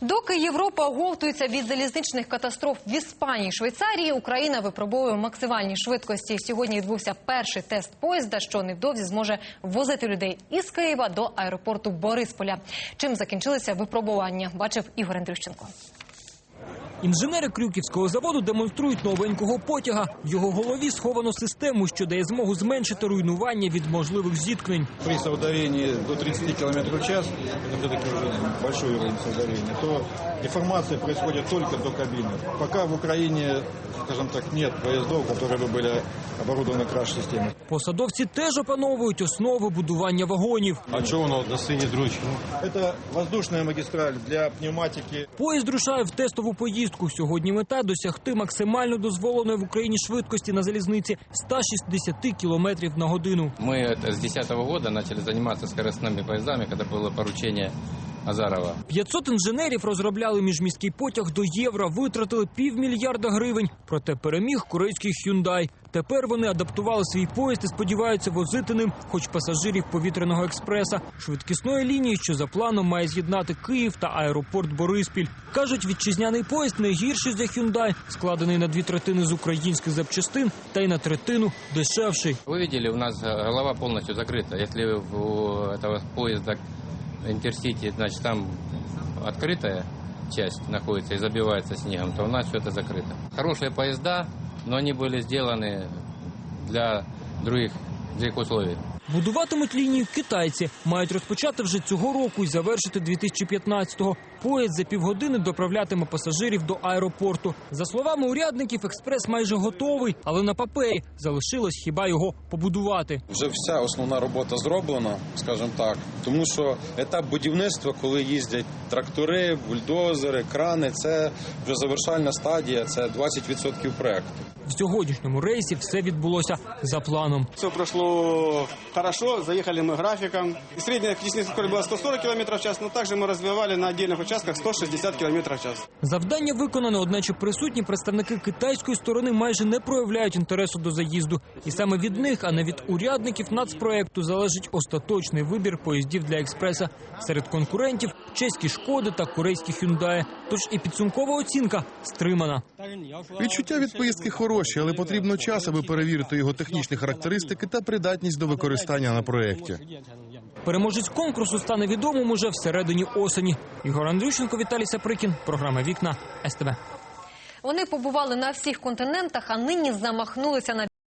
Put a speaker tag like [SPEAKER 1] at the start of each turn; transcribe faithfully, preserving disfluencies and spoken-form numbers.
[SPEAKER 1] Доки Європа оговтується від залізничних катастроф в Іспанії і Швейцарії, Україна випробовує максимальні швидкості. Сьогодні відбувся перший тест поїзда, що невдовзі зможе возити людей із Києва до аеропорту Борисполя. Чим закінчилися випробування, бачив Ігор Андрющенко.
[SPEAKER 2] Інженери Крюківського заводу демонструють новенького потяга. В його голові сховано систему, що дає змогу зменшити руйнування від можливих зіткнень.
[SPEAKER 3] При совдарении до тридцати километров в час, это все-таки уже большой уровень совдарения, то деформация происходит только до кабины. Пока в Украине, скажем так, нет поездов, которые бы были оборудованы краш-системой.
[SPEAKER 2] Посадовці теж опановують основи будування вагонів.
[SPEAKER 3] А что воно до синій дрочки? Это воздушная магистраль для пневматики.
[SPEAKER 2] Поїзд рушає в тестову поїздку. Сьогодні мета – досягти максимально дозволеної в Україні швидкості на залізниці – сто шістдесят кілометрів на годину.
[SPEAKER 4] Мы с десятого года начали заниматься скоростными поездами, когда было поручение Азарова.
[SPEAKER 2] п'ятсот інженерів розробляли міжміський потяг до Євро, витратили півмільярда гривень. Проте переміг корейський Hyundai. Тепер вони адаптували свій поїзд і сподіваються возити ним хоч пасажирів повітряного експреса, швидкісної лінії, що за планом має з'єднати Київ та аеропорт Бориспіль. Кажуть, вітчизняний поїзд не гірший за Hyundai, складений на дві третини з українських запчастин та й на третину дешевший.
[SPEAKER 4] Вы видели, у нас голова полностью закрыта. Если у этого поезда Интерсити, значит, там открытая часть находится и забивается снегом, то у нас все это закрыто. Хорошие поезда, но они были сделаны для других, других условий.
[SPEAKER 2] Будуватимуть лінію китайці. Мають розпочати вже цього року і завершити дві тисячі п'ятнадцятого. Поїзд за півгодини доправлятиме пасажирів до аеропорту. За словами урядників, експрес майже готовий, але на папері залишилось хіба його побудувати.
[SPEAKER 5] Вже вся основна робота зроблена, скажімо так, тому що етап будівництва, коли їздять трактори, бульдозери, крани, це вже завершальна стадія, це двадцять відсотків проєкту.
[SPEAKER 2] В сьогоднішньому рейсі все відбулося за планом.
[SPEAKER 6] Все пройшло хорошо, заїхали ми графіком. Середня технічна скорость була сто сорок кілометрів в час, але також ми розвивали на окремих участках сто шістдесят кілометрів в час.
[SPEAKER 2] Завдання виконано, одначе присутні представники китайської сторони майже не проявляють інтересу до заїзду. І саме від них, а не від урядників нацпроєкту, залежить остаточний вибір поїздів для експреса. Серед конкурентів – чеські «Шкоди» та корейські «Хюндаї». Тож і підсумкова оцінка стримана.
[SPEAKER 7] Відчуття від поїздки хороші, але потрібно час, аби перевірити його технічні характеристики та придатність до використання на проєкті.
[SPEAKER 2] Переможець конкурсу стане відомим уже всередині осені. Ігор Андрющенко, Віталій Саприкін. Програма «Вікна» ес те бе.
[SPEAKER 1] Вони побували на всіх континентах, а нині замахнулися на